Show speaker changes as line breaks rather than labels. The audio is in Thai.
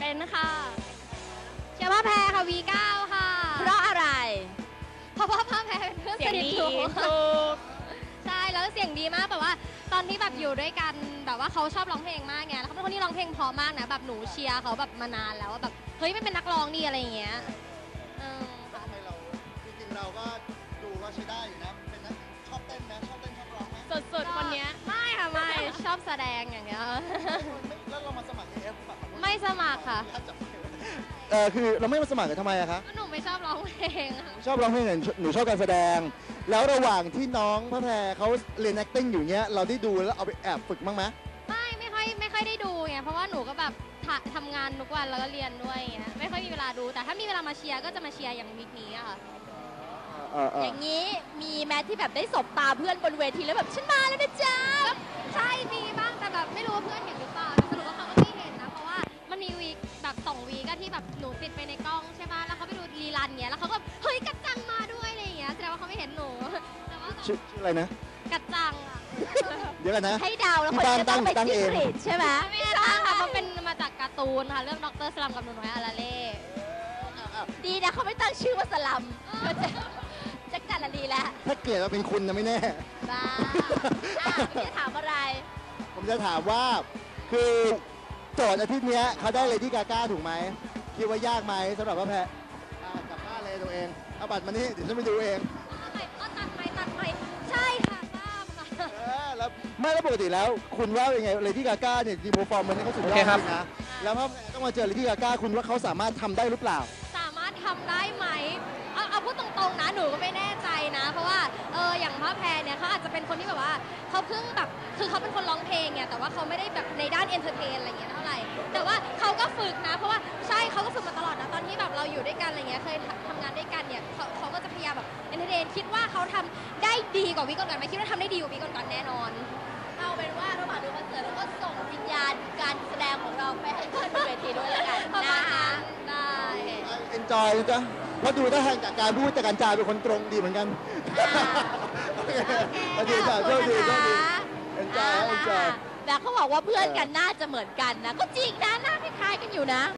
นค่ะเชียร์ว่าแพรค่ะ V9 ค่ะ
เพราะอะไร
เพราะว่าพ่อแพรเป็นเพื่อนสนิทหนูใช่แล้วเสียงดีมากแบบว่าตอนที่แบบอยู่ด้วยกันแบบว่าเขาชอบร้องเพลงมากไงแล้วเขาเป็นคนที่ร้องเพลงเพราะมากนะแบบหนูเชียร์เขาแบบมานานแล้วว่าแบบเฮ้ยไม่เป็นนักร้องดีอะไรอย่างเงี้ย
ทำไมเราจริงๆเราก็ดูว่าใช้ได้อยู่นะเป็นนักชอบเต้นไหมชอบเต้นชอบร้องไหม
สุดๆคนนี้ไม่ค่ะไม่ชอบแสดงอย่างเงี้ย
แล้วเรามาสมัคร AF ป่ะ
ไม่สมัครค่ะ
คือเราไม่มาสมัครกันทำไมอะคะ
หนูไม่ชอบร้องเพลง
ชอบร้องเพลงหนูชอบการแสดงแล้วระหว่างที่น้องพระแพรเขาเรียน acting อยู่เนี้ยเราได้ดูแล้วเอาไปแอบฝึกบ้างไหม
ไม่ค่อยได้ดูไงเพราะว่าหนูก็แบบทำงานทุกวันแล้วก็เรียนด้วยอย่างเงี้ยไม่ค่อยมีเวลาดูแต่ถ้ามีเวลามาเชียร์ก็จะมาเชียร์อย่างวีคนี้อะค่ะ
อย่างนี้มีแม้ที่แบบได้สบตาเพื่อนบนเวทีแล้วแบบฉันมาแล้วนะจ๊ะ
ใช่มีบ้างแต่แบบไม่รู้ว่าเพื่อนเห็นหรือเปล่าแต่สรุปว่าเขาก็ไม่เห็นนะเพราะว่ามันมีวีคแบบ2 วีคก็ที่แบบหนูติดไปในกล้องใช่ป่ะแล้วเขาไปดูรีรันเงี้ยแล้วเขาก็เฮ้ยกัดจังมาด้วยอะไรอย่างเงี้ยแสดงว่าเขาไม่เห็นหนูแต่ว่า
ชื่ออะไรนะ
กัดจังอะ
เดี๋ยวกันนะ
ให้ดาวแล้วคนจะต้องไปจิ้งหรีดใช่ไหม
ไม่ใช่ค่ะมันเป็นมาจากการ์ตูนค่ะเรื่องด็อกเตอร์สลัมกับหนูน้อยอาราเล่
ดีนะเขาไม่ตั้งชื่อว่าสลัมจะกันดีแล้ว
ถ้าเกิดว่าเป็นคุณนะไม่แน่
บ้าพี่จะถามอะไร
ผมจะถามว่าคือโจทย์อาทิตย์นี้เขาได้เลดี้กาก้าถูกไหมคิดว่ายากไหมสำหรับว่าแพ้กลับบ้านเลยตัวเองเอาบัตรมานี่เดี๋ยวฉันไปดูเอง
ตัดไปใช่ค่ะทราบค่ะ
แล้วไม่แล้วปกติแล้วคุณว่าเป็นไงเลดี้กาก้าเนี่ยดีโปรฟอร์มมันนี่เขาสุดยอดจริงนะแล้วพอต้องมาเจอเลดี้กาก้าคุณว่าเขาสามารถทำได้หรือเปล่า
สามารถทำได้ไหมเอาพูดตรงๆนะหนูก็ไม่แน่ใจนะเพราะว่าอย่างพ่อแพรเนี่ยเขาอาจจะเป็นคนที่แบบว่าเขาเพิ่งแบบคือเขาเป็นคนร้องเพลงไงแต่ว่าเขาไม่ได้แบบในด้านเอนเตอร์เทนอะไรเงี้ยเท่าไหร่แต่ว่าเขาก็ฝึกนะเพราะว่าใช่เขาก็ฝึกมาตลอดนะตอนที่แบบเราอยู่ด้วยกันอะไรเงี้ยเคยทำงานด้วยกันเนี่ยเขาก็จะพยายามแบบเอนเตอร์เทนคิดว่าเขาทำได้ดีกว่าวิก่อนๆไหมคิดว่าทำได้ดีกว่าวิก่อนๆแน่นอน
เอาเป็นว่าระหว่างดูคอนเสิร์ตเราก็ส่งวิญญาณการแสดงของเราไปให้เพื่อนบนเวทีด้วยแล้วกันนะคะ
ได้
เอนจอยนะจ๊ะเพราะดูท่าทางจากการพูดจากการจาเป็นคนตรงดีเหมือนกันโอเคจ้ะโชคดีเอนจอย
แต่เขาบอกว่าเพื่อนกันน่าจะเหมือนกันนะก็จริงนะหน้าคล้ายๆกันอยู่นะ